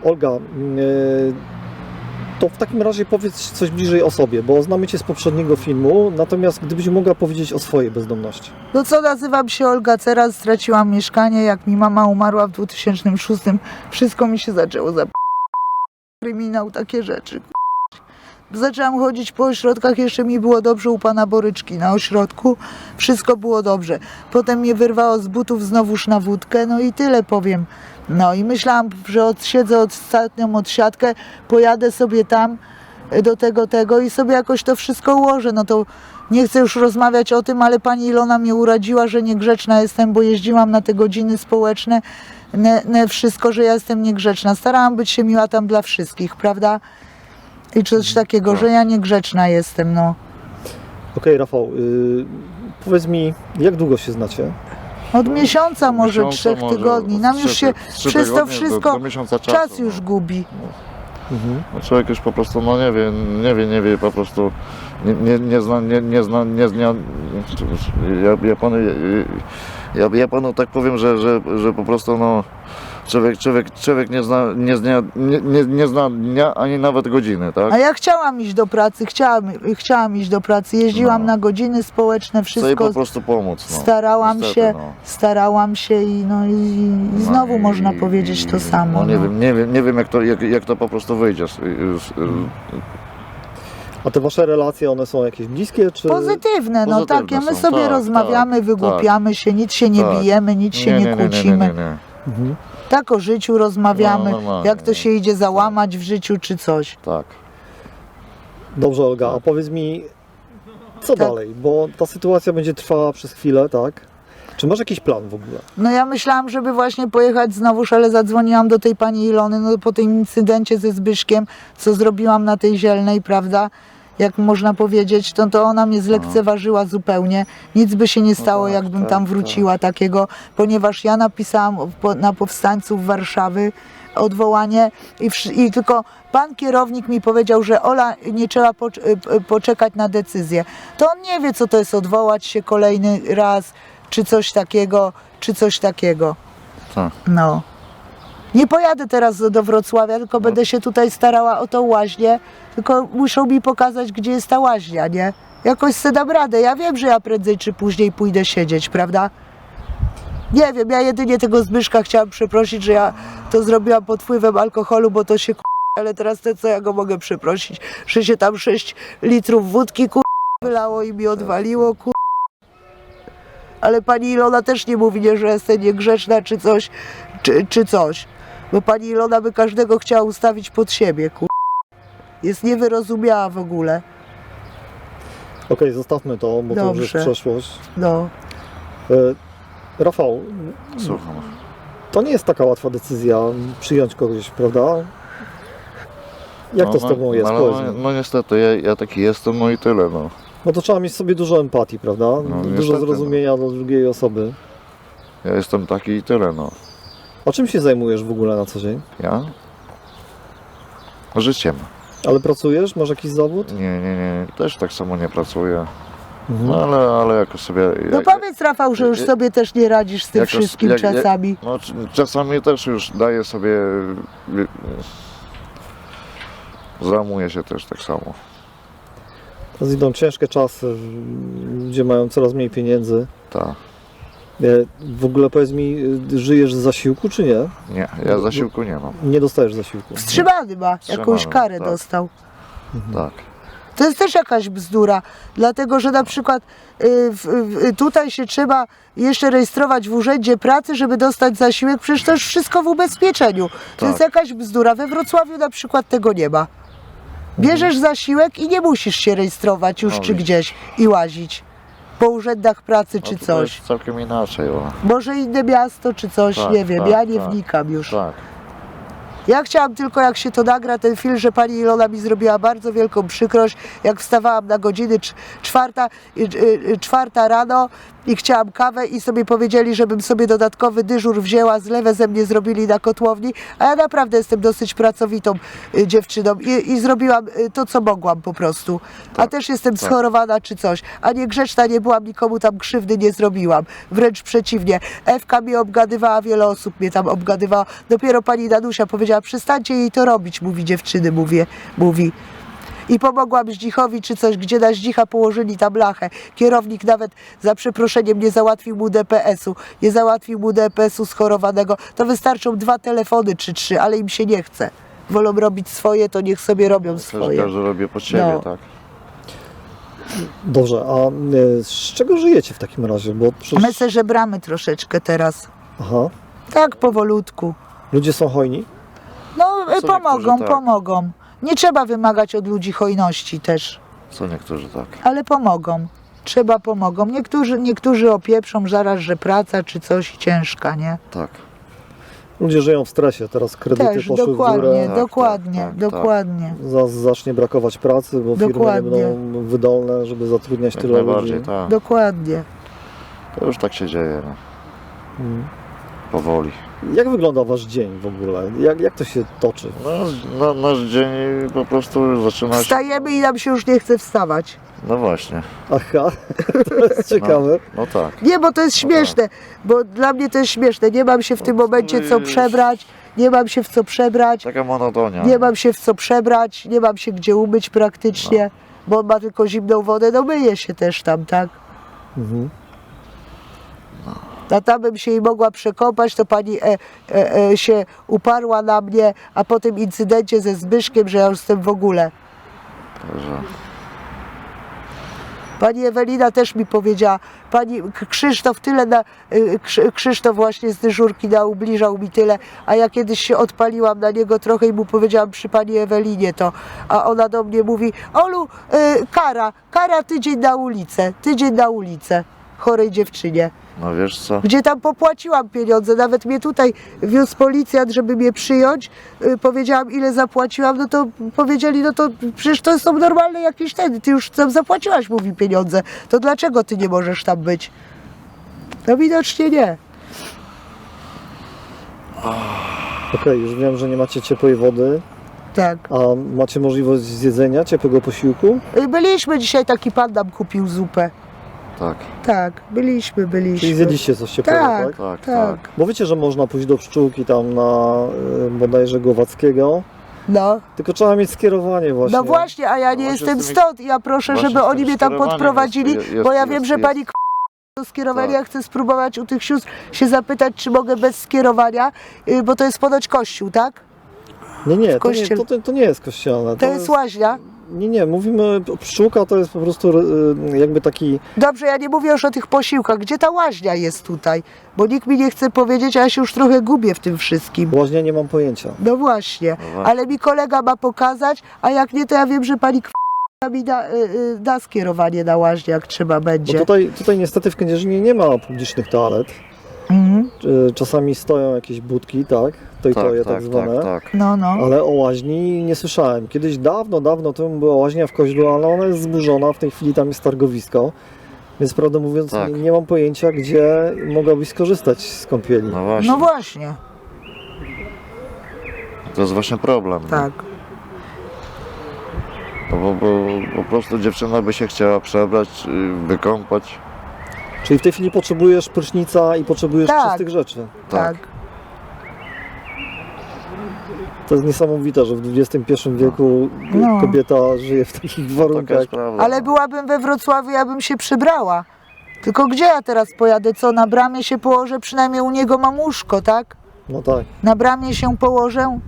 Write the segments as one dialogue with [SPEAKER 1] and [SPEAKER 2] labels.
[SPEAKER 1] Olga, to w takim razie powiedz coś bliżej o sobie, bo znamy Cię z poprzedniego filmu, natomiast gdybyś mogła powiedzieć o swojej bezdomności.
[SPEAKER 2] No co, nazywam się Olga Ceras, straciłam mieszkanie, jak mi mama umarła w 2006, wszystko mi się zaczęło kryminał, takie rzeczy. Zaczęłam chodzić po ośrodkach, jeszcze mi było dobrze u pana Boryczki na ośrodku, wszystko było dobrze. Potem mnie wyrwało z butów znowuż na wódkę, no i tyle powiem. No i myślałam, że odsiedzę ostatnią odsiadkę, pojadę sobie tam do tego i sobie jakoś to wszystko ułożę. No to nie chcę już rozmawiać o tym, ale pani Ilona mnie uradziła, że niegrzeczna jestem, bo jeździłam na te godziny społeczne, wszystko, że ja jestem niegrzeczna. Starałam być się miła tam dla wszystkich, prawda? I coś takiego, że ja niegrzeczna jestem, no.
[SPEAKER 1] Okej, Rafał, powiedz mi, jak długo się znacie?
[SPEAKER 2] Od miesiąca, może
[SPEAKER 3] miesiąca,
[SPEAKER 2] 3 tygodni. Nam już się przez to wszystko
[SPEAKER 3] do miesiąca czasu,
[SPEAKER 2] czas już gubi.
[SPEAKER 3] No człowiek już po prostu, no nie wie, po prostu nie zna, ja panu tak powiem, że po prostu no człowiek nie zna dnia ani nawet godziny, tak?
[SPEAKER 2] A ja chciałam iść do pracy, chciałam iść do pracy, jeździłam na godziny społeczne,
[SPEAKER 3] Chcę
[SPEAKER 2] wszystko.
[SPEAKER 3] po prostu pomóc. No.
[SPEAKER 2] Starałam
[SPEAKER 3] Niestety,
[SPEAKER 2] się,
[SPEAKER 3] no.
[SPEAKER 2] starałam się i znowu
[SPEAKER 3] No
[SPEAKER 2] można powiedzieć to samo.
[SPEAKER 3] No nie wiem jak to po prostu wyjdzie.
[SPEAKER 1] A te wasze relacje, one są jakieś bliskie, czy...
[SPEAKER 2] Pozytywne, no
[SPEAKER 3] Pozytywne
[SPEAKER 2] takie, my
[SPEAKER 3] są,
[SPEAKER 2] sobie
[SPEAKER 3] tak,
[SPEAKER 2] rozmawiamy,
[SPEAKER 3] tak,
[SPEAKER 2] wygłupiamy się, nic się nie
[SPEAKER 3] tak.
[SPEAKER 2] bijemy, nic się nie kłócimy.
[SPEAKER 3] Nie.
[SPEAKER 1] Mhm.
[SPEAKER 2] Tak o życiu rozmawiamy,
[SPEAKER 3] No, normalnie,
[SPEAKER 2] jak to się idzie załamać w życiu czy coś.
[SPEAKER 3] Tak.
[SPEAKER 1] Dobrze, Olga, a powiedz mi, co
[SPEAKER 2] Tak.
[SPEAKER 1] dalej? Bo ta sytuacja będzie trwała przez chwilę, tak? Czy masz jakiś plan w ogóle?
[SPEAKER 2] No ja myślałam, żeby właśnie pojechać znowuż, ale zadzwoniłam do tej pani Ilony, no po tym incydencie ze Zbyszkiem, co zrobiłam na tej Zielnej, prawda? Jak można powiedzieć, to ona mnie zlekceważyła zupełnie. Nic by się nie stało,
[SPEAKER 3] tak,
[SPEAKER 2] jakbym
[SPEAKER 3] tak,
[SPEAKER 2] tam wróciła takiego, ponieważ ja napisałam na powstańców Warszawy odwołanie i tylko pan kierownik mi powiedział, że Ola, nie trzeba poczekać na decyzję. To on nie wie, co to jest odwołać się kolejny raz, czy coś takiego.
[SPEAKER 3] Tak.
[SPEAKER 2] No. Nie pojadę teraz do Wrocławia, tylko będę się tutaj starała o tą łaźnię, tylko muszą mi pokazać, gdzie jest ta łaźnia, nie? Jakoś se dam radę. Ja wiem, że ja prędzej czy później pójdę siedzieć, prawda? Nie wiem, ja jedynie tego Zbyszka chciałam przeprosić, że ja to zrobiłam pod wpływem alkoholu, bo to się ale teraz to co ja go mogę przeprosić, że się tam 6 litrów wódki wylało i mi odwaliło, Ale pani Ilona też nie mówi, nie, że jestem niegrzeczna czy coś. Bo pani Ilona by każdego chciała ustawić pod siebie, Jest niewyrozumiała w ogóle.
[SPEAKER 1] Okej, zostawmy to, bo to już jest
[SPEAKER 2] Dobrze.
[SPEAKER 1] przeszłość.
[SPEAKER 2] No.
[SPEAKER 1] Rafał,
[SPEAKER 3] Słucham.
[SPEAKER 1] to nie jest taka łatwa decyzja przyjąć kogoś, prawda? Jak to z tobą jest? Powiedz mi.
[SPEAKER 3] No niestety, ja taki jestem, no i tyle, no.
[SPEAKER 1] No to trzeba mieć w sobie dużo empatii, prawda? Dużo
[SPEAKER 3] niestety,
[SPEAKER 1] zrozumienia do drugiej osoby.
[SPEAKER 3] Ja jestem taki i tyle, no.
[SPEAKER 1] A czym się zajmujesz w ogóle na co dzień?
[SPEAKER 3] Ja? Życiem.
[SPEAKER 1] Ale pracujesz? Masz jakiś zawód?
[SPEAKER 3] Nie, też tak samo nie pracuję.
[SPEAKER 1] Mhm.
[SPEAKER 3] No ale jakoś sobie...
[SPEAKER 2] No powiedz, Rafał, że już sobie też nie radzisz z tym
[SPEAKER 3] jakoś-
[SPEAKER 2] wszystkim czasami.
[SPEAKER 3] No czasami też już daję sobie... Załamuję się też tak samo.
[SPEAKER 1] Teraz idą ciężkie czasy, ludzie mają coraz mniej pieniędzy.
[SPEAKER 3] Tak.
[SPEAKER 1] W ogóle powiedz mi, żyjesz z zasiłku czy nie?
[SPEAKER 3] Nie, ja zasiłku nie mam.
[SPEAKER 1] Nie dostajesz zasiłku.
[SPEAKER 2] Wstrzymany ma, jakąś karę
[SPEAKER 3] tak.
[SPEAKER 2] dostał.
[SPEAKER 3] Tak.
[SPEAKER 2] To jest też jakaś bzdura, dlatego że na przykład tutaj się trzeba jeszcze rejestrować w urzędzie pracy, żeby dostać zasiłek, przecież to już wszystko w ubezpieczeniu. To
[SPEAKER 3] Tak.
[SPEAKER 2] jest jakaś bzdura. We Wrocławiu na przykład tego nie ma. Bierzesz zasiłek i nie musisz się rejestrować już
[SPEAKER 3] No
[SPEAKER 2] czy
[SPEAKER 3] widzisz.
[SPEAKER 2] gdzieś i łazić po urzędach pracy czy
[SPEAKER 3] No to
[SPEAKER 2] coś.
[SPEAKER 3] jest całkiem inaczej, o.
[SPEAKER 2] Może inne miasto czy coś,
[SPEAKER 3] Tak,
[SPEAKER 2] nie wiem,
[SPEAKER 3] tak,
[SPEAKER 2] ja nie
[SPEAKER 3] tak.
[SPEAKER 2] wnikam już.
[SPEAKER 3] Tak.
[SPEAKER 2] Ja chciałam tylko, jak się to nagra, ten film, że pani Ilona mi zrobiła bardzo wielką przykrość, jak wstawałam na godziny czwarta rano i chciałam kawę i sobie powiedzieli, żebym sobie dodatkowy dyżur wzięła, zlewę ze mnie zrobili na kotłowni, a ja naprawdę jestem dosyć pracowitą dziewczyną i zrobiłam to, co mogłam po prostu. A też jestem schorowana czy coś, a nie grzeczna nie byłam, nikomu tam krzywdy nie zrobiłam. Wręcz przeciwnie. Ewka mnie obgadywała, wiele osób mnie tam obgadywała. Dopiero pani Danusia powiedziała, przestańcie jej to robić, mówi dziewczyny, mówi. I pomogłam Zdzichowi czy coś, gdzie na Zdzicha położyli tam blachę. Kierownik nawet za przeproszeniem nie załatwił mu DPS-u. Nie załatwił mu DPS-u schorowanego. To wystarczą 2 telefony czy 3, ale im się nie chce. Wolą robić swoje, to niech sobie robią swoje.
[SPEAKER 3] Każdy robi pod siebie,
[SPEAKER 2] No.
[SPEAKER 3] tak.
[SPEAKER 1] Dobrze, a z czego żyjecie w takim razie? Bo przecież...
[SPEAKER 2] My se żebramy troszeczkę teraz.
[SPEAKER 1] Aha.
[SPEAKER 2] Tak, powolutku.
[SPEAKER 1] Ludzie są hojni?
[SPEAKER 2] No,
[SPEAKER 3] Co
[SPEAKER 2] pomogą,
[SPEAKER 3] niektórzy tak.
[SPEAKER 2] pomogą. Nie trzeba wymagać od ludzi hojności też,
[SPEAKER 3] Co niektórzy tak.
[SPEAKER 2] ale pomogą. Trzeba pomogą. Niektórzy opieprzą zaraz, że praca czy coś ciężka, nie?
[SPEAKER 3] Tak.
[SPEAKER 1] Ludzie żyją w stresie, teraz kredyty
[SPEAKER 2] Też,
[SPEAKER 1] poszły w
[SPEAKER 2] dokładnie,
[SPEAKER 1] górę.
[SPEAKER 3] Tak,
[SPEAKER 2] dokładnie,
[SPEAKER 3] tak, tak,
[SPEAKER 2] dokładnie.
[SPEAKER 1] Zacznie brakować pracy, bo firmy nie
[SPEAKER 2] Dokładnie.
[SPEAKER 1] będą wydolne, żeby zatrudniać
[SPEAKER 3] Jak
[SPEAKER 1] tyle
[SPEAKER 3] najbardziej,
[SPEAKER 1] ludzi.
[SPEAKER 3] tak.
[SPEAKER 2] Dokładnie.
[SPEAKER 3] To już tak się dzieje, no.
[SPEAKER 1] Mm.
[SPEAKER 3] Powoli.
[SPEAKER 1] Jak wygląda wasz dzień w ogóle? Jak to się toczy?
[SPEAKER 3] Nasz dzień po prostu zaczyna się...
[SPEAKER 2] Wstajemy i nam się już nie chce wstawać.
[SPEAKER 3] No właśnie.
[SPEAKER 1] Aha, to jest ciekawe.
[SPEAKER 3] No tak.
[SPEAKER 2] Nie, bo to jest śmieszne, bo dla mnie to jest śmieszne. Nie mam się w tym momencie co przebrać, nie mam się w co przebrać,
[SPEAKER 3] Taka monotonia.
[SPEAKER 2] nie mam się w co przebrać, nie mam się gdzie umyć praktycznie, bo on ma tylko zimną wodę, no myję się też tam, tak?
[SPEAKER 1] Mhm.
[SPEAKER 2] A tam bym się jej mogła przekąpać, to pani się uparła na mnie, a po tym incydencie ze Zbyszkiem, że ja już jestem w ogóle.
[SPEAKER 3] Także...
[SPEAKER 2] Pani Ewelina też mi powiedziała, pani Krzysztof tyle Krzysztof właśnie z dyżurki ubliżał mi tyle, a ja kiedyś się odpaliłam na niego trochę i mu powiedziałam przy pani Ewelinie to, a ona do mnie mówi, Olu, kara tydzień na ulicę, chorej dziewczynie.
[SPEAKER 3] No wiesz co?
[SPEAKER 2] Gdzie tam popłaciłam pieniądze, nawet mnie tutaj wiózł policjant, żeby mnie przyjąć, powiedziałam ile zapłaciłam, no to powiedzieli, no to przecież to są normalne jakieś ty już tam zapłaciłaś, mówi, pieniądze, to dlaczego ty nie możesz tam być? No widocznie nie.
[SPEAKER 1] Okej, już wiem, że nie macie ciepłej wody,
[SPEAKER 2] Tak.
[SPEAKER 1] a macie możliwość zjedzenia ciepłego posiłku?
[SPEAKER 2] Byliśmy dzisiaj, taki pan nam kupił zupę.
[SPEAKER 3] Tak.
[SPEAKER 2] Tak, byliśmy.
[SPEAKER 1] Czyli zjedliście coś ciepłego, tak?
[SPEAKER 2] Tak,
[SPEAKER 3] Tak,
[SPEAKER 2] tak.
[SPEAKER 3] tak.
[SPEAKER 1] Bo wiecie, że można pójść do pszczółki tam na bodajże Głowackiego,
[SPEAKER 2] No.
[SPEAKER 1] tylko trzeba mieć skierowanie właśnie.
[SPEAKER 2] No właśnie, a ja nie
[SPEAKER 3] Właśnie
[SPEAKER 2] jestem
[SPEAKER 3] z tymi-
[SPEAKER 2] stąd. Ja proszę,
[SPEAKER 3] właśnie
[SPEAKER 2] żeby
[SPEAKER 3] z tym
[SPEAKER 2] oni mnie tam
[SPEAKER 3] skierowaniem
[SPEAKER 2] podprowadzili,
[SPEAKER 3] jest-
[SPEAKER 2] bo ja
[SPEAKER 3] jest-
[SPEAKER 2] wiem, że
[SPEAKER 3] jest-
[SPEAKER 2] pani to skierowanie,
[SPEAKER 3] Tak.
[SPEAKER 2] ja chcę spróbować u tych sióstr się zapytać, czy mogę bez skierowania, bo to jest ponoć kościół, tak?
[SPEAKER 1] Nie,
[SPEAKER 2] kościele.
[SPEAKER 1] to nie jest kościelne.
[SPEAKER 2] To jest łaźnia.
[SPEAKER 1] Nie, mówimy, pszczółka to jest po prostu jakby taki,
[SPEAKER 2] Dobrze, ja nie mówię już o tych posiłkach. Gdzie ta łaźnia jest tutaj? Bo nikt mi nie chce powiedzieć, a ja się już trochę gubię w tym wszystkim.
[SPEAKER 1] łaźnia nie mam pojęcia.
[SPEAKER 2] No właśnie,
[SPEAKER 3] właśnie.
[SPEAKER 2] ale mi kolega ma pokazać, a jak nie, to ja wiem, że pani mi da skierowanie na łaźnię, jak trzeba
[SPEAKER 1] Bo
[SPEAKER 2] będzie.
[SPEAKER 1] tutaj niestety w Kędzierzynie nie ma publicznych toalet.
[SPEAKER 2] Mhm.
[SPEAKER 1] Czasami stoją jakieś budki, tak? To i to je tak zwane.
[SPEAKER 3] tak.
[SPEAKER 2] No.
[SPEAKER 1] Ale o łaźni nie słyszałem. Kiedyś dawno temu była łaźnia w Koźlu, ale ona jest zburzona, w tej chwili tam jest targowisko. Więc prawdę mówiąc
[SPEAKER 3] Tak.
[SPEAKER 1] nie mam pojęcia, gdzie mogłabyś skorzystać z kąpieli.
[SPEAKER 3] No właśnie.
[SPEAKER 2] No właśnie,
[SPEAKER 3] To jest właśnie problem. nie?
[SPEAKER 2] tak.
[SPEAKER 3] No bo po prostu dziewczyna by się chciała przebrać, wykąpać.
[SPEAKER 1] Czyli w tej chwili potrzebujesz prysznica i potrzebujesz
[SPEAKER 2] Tak.
[SPEAKER 1] czystych rzeczy.
[SPEAKER 2] Tak.
[SPEAKER 1] To jest niesamowite, że w XXI wieku
[SPEAKER 2] No.
[SPEAKER 1] kobieta żyje w takich
[SPEAKER 3] Taka
[SPEAKER 1] warunkach.
[SPEAKER 3] jest prawda.
[SPEAKER 2] Ale byłabym we Wrocławiu, ja bym się przybrała. Tylko gdzie ja teraz pojadę? Co, na bramie się położę? Przynajmniej u niego mam łóżko, tak?
[SPEAKER 1] No tak.
[SPEAKER 2] Na bramie się położę?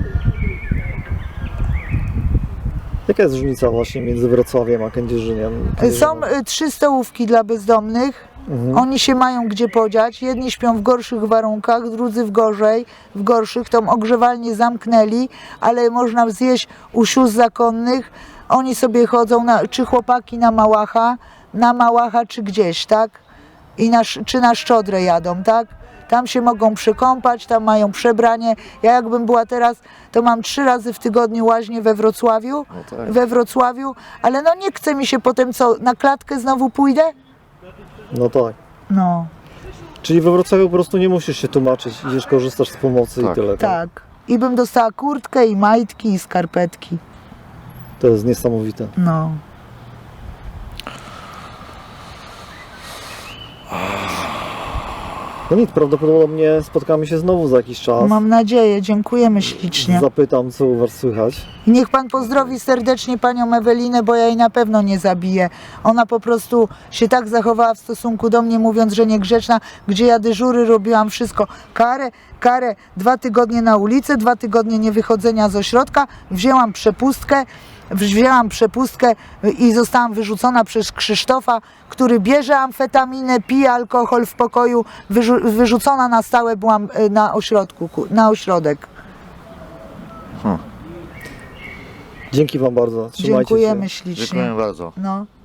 [SPEAKER 1] Jaka jest różnica właśnie między Wrocławiem a Kędzierzyniem?
[SPEAKER 2] Są 3 stołówki dla bezdomnych.
[SPEAKER 1] Mhm.
[SPEAKER 2] Oni się mają gdzie podziać. Jedni śpią w gorszych warunkach, drudzy w gorszych. Tą ogrzewalnię zamknęli, ale można zjeść u sióstr zakonnych. Oni sobie chodzą, czy chłopaki na Małacha, czy gdzieś, tak? Czy na Szczodrę jadą, tak? Tam się mogą przekąpać, tam mają przebranie. Ja jakbym była teraz, to mam 3 razy w tygodniu łaźnię we Wrocławiu.
[SPEAKER 3] No tak.
[SPEAKER 2] We Wrocławiu, ale no nie chce mi się potem, co, na klatkę znowu pójdę?
[SPEAKER 1] No tak.
[SPEAKER 2] No,
[SPEAKER 1] Czyli we Wrocławiu po prostu nie musisz się tłumaczyć, idziesz, korzystasz z pomocy
[SPEAKER 3] Tak.
[SPEAKER 1] i tyle.
[SPEAKER 2] tak. I bym dostała kurtkę i majtki i skarpetki.
[SPEAKER 1] To jest niesamowite.
[SPEAKER 2] No.
[SPEAKER 1] No nic, prawdopodobnie spotkamy się znowu za jakiś czas.
[SPEAKER 2] Mam nadzieję, dziękujemy ślicznie.
[SPEAKER 1] Zapytam, co u was słychać.
[SPEAKER 2] I niech pan pozdrowi serdecznie panią Ewelinę, bo ja jej na pewno nie zabiję. Ona po prostu się tak zachowała w stosunku do mnie, mówiąc, że niegrzeczna, gdzie ja dyżury robiłam wszystko. Karę 2 tygodnie na ulicę, 2 tygodnie niewychodzenia z ośrodka. Wzięłam przepustkę i zostałam wyrzucona przez Krzysztofa, który bierze amfetaminę, pije alkohol w pokoju. Wyrzucona na stałe byłam na ośrodek.
[SPEAKER 1] Dzięki wam bardzo. Trzymajcie
[SPEAKER 2] Dziękujemy
[SPEAKER 1] się.
[SPEAKER 2] ślicznie.
[SPEAKER 3] Dziękuję bardzo.
[SPEAKER 2] No.